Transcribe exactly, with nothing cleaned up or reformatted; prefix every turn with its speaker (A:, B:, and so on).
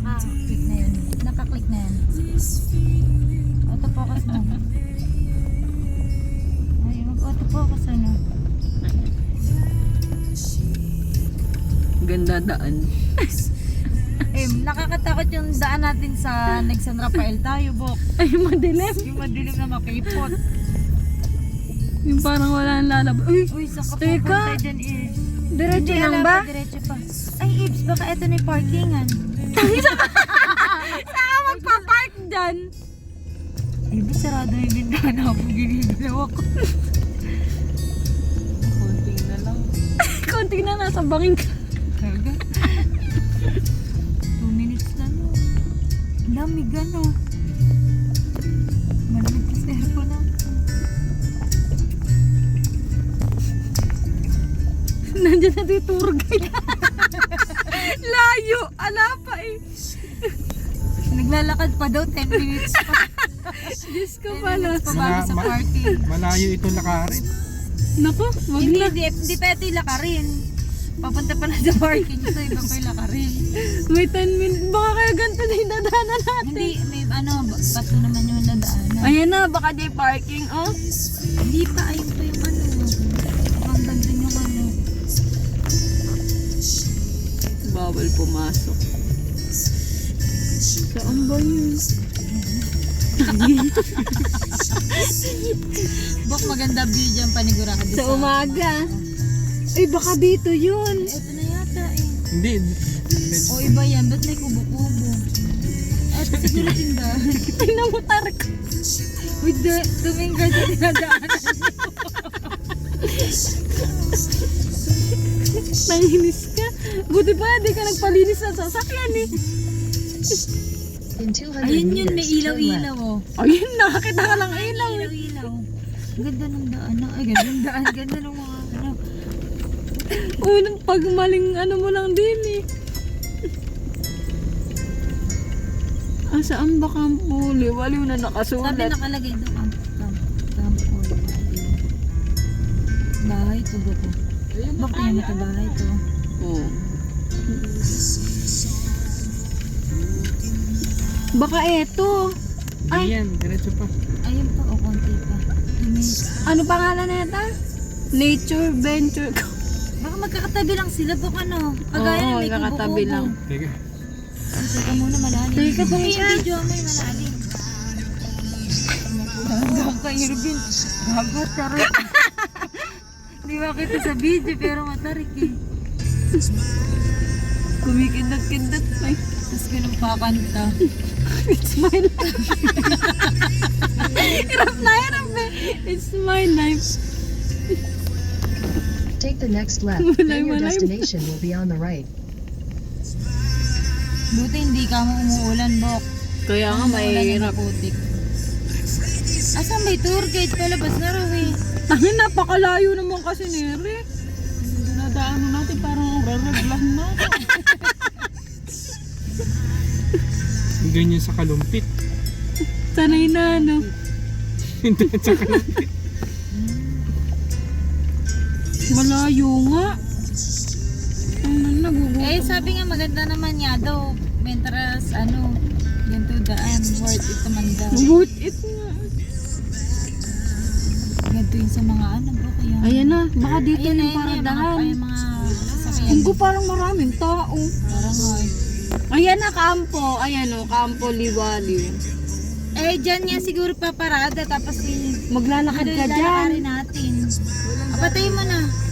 A: naka-click na yun. Naka-click na yan. Auto-focus mo. Ay, mag-auto-focus ano.
B: Ganda daan.
A: Eh, nakakatakot yung daan natin sa Neg San Rafael tayo, Bok.
B: Ay, madilim.
A: Yung madilim na makipot.
B: Yung parang wala nang lalabas. Uy,
A: Uy, saan ka
B: Teka.
A: pupunta dyan, Ibs?
B: diretso
A: Hindi,
B: lang
A: alam
B: ba?
A: ko, diretso pa. Ay, Ibs, baka ito na yung parkingan.
B: Saan ka magpa-park dyan?
A: Ibs, sarado yung bintana ako. Ginigalaw ako.
B: Konti na lang. Konti na, nasa bangin ka.
A: Kaga. Two minutes na no. Lamig ano. Malamig pa sa aircon na.
B: Nandiyan na yung tour guide. Layo. Ala pa eh.
A: Naglalakad pa daw, ten minutes pa.
B: Diyos ko
A: ten
B: pala.
A: minutes pa bago sa
C: Ma- ma-
A: parking.
C: Malayo ito lakarin.
B: Naku, wag
A: Hindi,
B: na.
A: hindi, hindi pa ito yung lakarin. Papunta pa na sa parking. Ito, iba pa yung lakarin.
B: May ten minutes. Baka kaya ganito na yung dadaanan natin.
A: Hindi, may ano, bato naman yung nadaanan.
B: Ayan na, baka di parking, oh.
A: Hindi pa, ayun pa yung ano. Hanggang dun yung ano.
B: Bawal pumasok. Saan ba yun?
A: Bok, maganda view dyan panigurado.
B: Sa umaga. Ay, baka dito yun.
A: Ito na yata eh.
C: Hindi.
A: O iba yan, ba't may kubo-kubo? At siguro tindahan.
B: Tingnan mo, Tarek.
A: With the tuming ka sa tinadaanan.
B: Nanginis ka. Buti pa, di ka nagpalinis sa sasakyan eh.
D: In two hundred
A: Ayun yun,
D: meters,
A: may
D: turn
A: ilaw-ilaw
D: left.
A: oh.
B: Ayun, nakakita ka lang ilaw.
A: Ilaw-ilaw. Ang ganda ng daan. Ay, ganda ng daan. Ganda ng mga ano.
B: Unang pag maling ano mo lang din eh. Ah, saan ba kampo? Liwaliw na
A: Sabi
B: nakasulat.
A: nakalagay doon. Camp, camp, camp or bahay to ba ko? Bakit yung ito bahay to?
B: Oo. Baka eto.
C: Ay. Yan, diretso pa.
A: Ayun pa, o konti pa. Two minutes.
B: Ano pangalan na ito? Nature Venture.
A: Baka magkakatabi lang sila. Baka ano. Kagaya
B: Oo,
A: na may
B: magkakatabi
A: kubo-kubo.
B: lang.
C: Teka.
A: Ay, teka muna malalim.
B: Teka,
A: Ay,
B: tumingin.
A: yung video mo yung malalim. Hanggang ka, Irvin. Gagat, tarik. Hindi makita sa video pero matarik eh.
B: Kumikindat-kindat pa eh.
A: Tapos ganun pakanta.
B: It's my life. Hirap na hirap eh. It's my life.
D: Take the next left.
B: Malay,
D: Then your
B: malay.
D: destination will be on the right.
A: Buti hindi ka mo umuulan, Bok.
B: Kaya nga mahirap.
A: Putik. Asan may tour guide? Palabas na raw eh.
B: Tangin, napakalayo naman kasi nere. Dinadaanan natin parang raraglahan na.
C: Ganyan sa kalumpit.
B: Sanay na ano.
C: Hindi sa kalumpit.
B: Malayo nga. Ano nagugutom.
A: Eh, sabi nga maganda naman niya daw. Mentras, ano, ganito daan. Worth it naman daw.
B: Worth it nga.
A: Ganito yung sa mga ano, Bok. Ayan.
B: Ayan na, baka dito
A: Ayan,
B: yung
A: ayan, ayan,
B: paradahan.
A: Mga, ay, mga sasakyan.
B: Hindi parang maraming tao.
A: Parang nga eh.
B: Ayan na, kampo. Ayan o, kampo liwaliw.
A: Eh, dyan nga siguro paparada. Tapos si...
B: Maglalakad
A: Ano
B: ka
A: yung
B: dyan.
A: lalakarin natin? Apatay mo na.